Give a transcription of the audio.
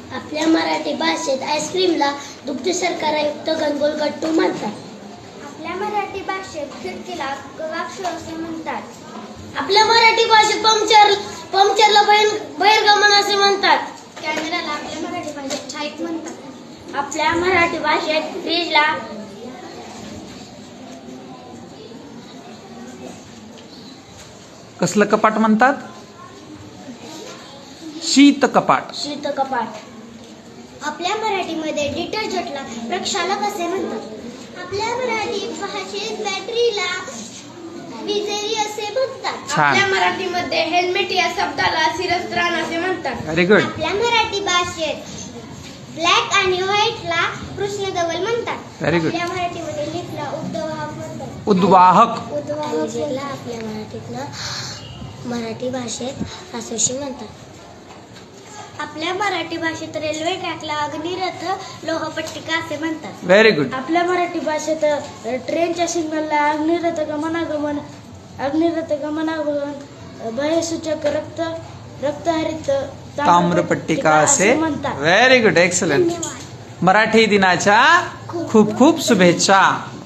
आपल्या मराठी भाषेत आईस्क्रीमला दुग्ध शर्करायुक्त घनगोल गट्टू म्हणतात. आपल्या मराठी भाषेत खिडकीला गवाक्ष असे म्हणतात. आपल्या मराठी भाषेत पंक्चरला बहिर्गमन असे म्हणतात. कॅमेराला आपल्या मराठी भाषेत छाईक म्हणतात. आपल्या मराठी भाषेत फ्रीजला कसलं कपाट म्हणतात? शीत कपाट. शीत कपाट. आपल्या मराठीमध्ये डिटर्जंटला प्रक्षालक असे म्हणतात. आपल्या मराठी भाषेत बॅटरीला विजेरी असे म्हणतात. छान. आपल्या मराठीमध्ये हेल्मेट या शब्दाला शिरस्त्राण असे म्हणतात. Very good. आपल्या मराठी भाषेत ब्लॅक आणि व्हाईटला कृष्णधवल म्हणतात. Very good. आपल्या मराठीमध्ये लिफ्टला उद्वाहक म्हणतात. उद्वाहक. उद्वाहकला आपल्या मराठी भाषेत आसोशी म्हणतात. आपल्या मराठी भाषेत रेल्वे ट्रॅकला अग्निरथ लोहपट्टिका असे म्हणतात. Very good. आपल्या मराठी भाषेत ट्रेनच्या सिग्नलला अग्निरथ गमनागमन भयसूचक रक्तहरित ताम्रपट्टिका असे म्हणतात. Very good. एक्सलंट. धन्यवाद. मराठी दिनाच्या खूप खूप शुभेच्छा.